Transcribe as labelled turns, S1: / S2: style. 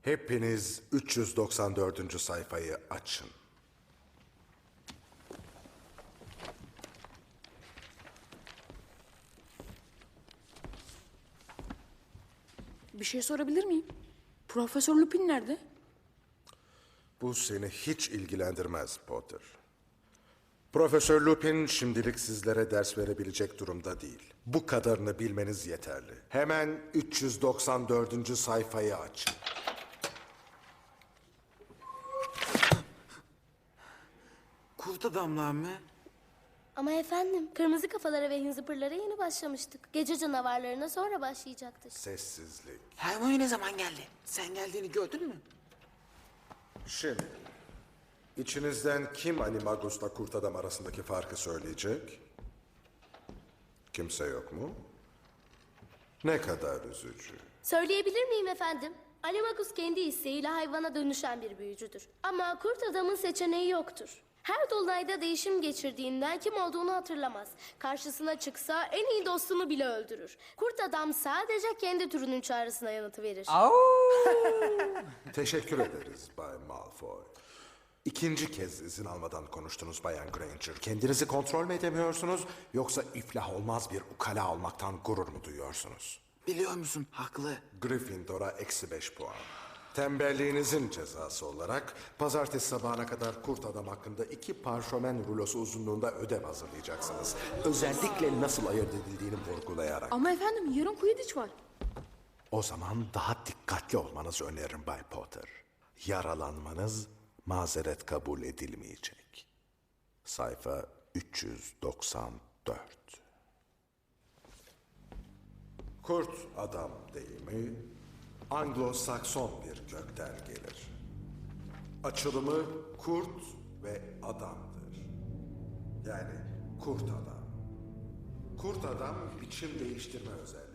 S1: Hepiniz 394. sayfayı açın.
S2: Bir şey sorabilir miyim? Profesör Lupin nerede?
S1: Bu seni hiç ilgilendirmez Potter. Profesör Lupin şimdilik sizlere ders verebilecek durumda değil. Bu kadarını bilmeniz yeterli. Hemen 394. sayfayı açın.
S3: Kurt adamlar mı?
S4: Ama efendim, kırmızı kafalara ve hınzıpırlara yeni başlamıştık. Gece canavarlarına sonra başlayacaktık.
S1: Sessizlik.
S3: Hermione ne zaman geldi? Sen geldiğini gördün mü?
S1: Şimdi, içinizden kim Animagus'la Kurt Adam arasındaki farkı söyleyecek? Kimse yok mu? Ne kadar üzücü.
S4: Söyleyebilir miyim efendim? Animagus kendi isteğiyle hayvana dönüşen bir büyücüdür. Ama kurt adamın seçeneği yoktur. Her dolunayda değişim geçirdiğinden kim olduğunu hatırlamaz. Karşısına çıksa en iyi dostunu bile öldürür. Kurt adam sadece kendi türünün çağrısına yanıtı verir.
S1: Teşekkür ederiz Bay Malfoy. İkinci kez izin almadan konuştunuz Bayan Granger. Kendinizi kontrol mü edemiyorsunuz yoksa iflah olmaz bir ukala olmaktan gurur mu duyuyorsunuz?
S3: Biliyor musun? Haklı.
S1: Gryffindor'a -5 puan. Tembelliğinizin cezası olarak pazartesi sabahına kadar Kurt Adam hakkında 2 parşömen rulosu uzunluğunda ödev hazırlayacaksınız. Özellikle nasıl ayırt edildiğini vurgulayarak.
S2: Ama efendim yarın Quidditch var.
S1: O zaman daha dikkatli olmanızı öneririm Bay Potter. Yaralanmanız mazeret kabul edilmeyecek. Sayfa 394. Kurt adam deyimi Anglo-Sakson bir kökten gelir. Açılımı kurt ve adamdır. Yani kurt adam. Kurt adam biçim değiştirme özelliği.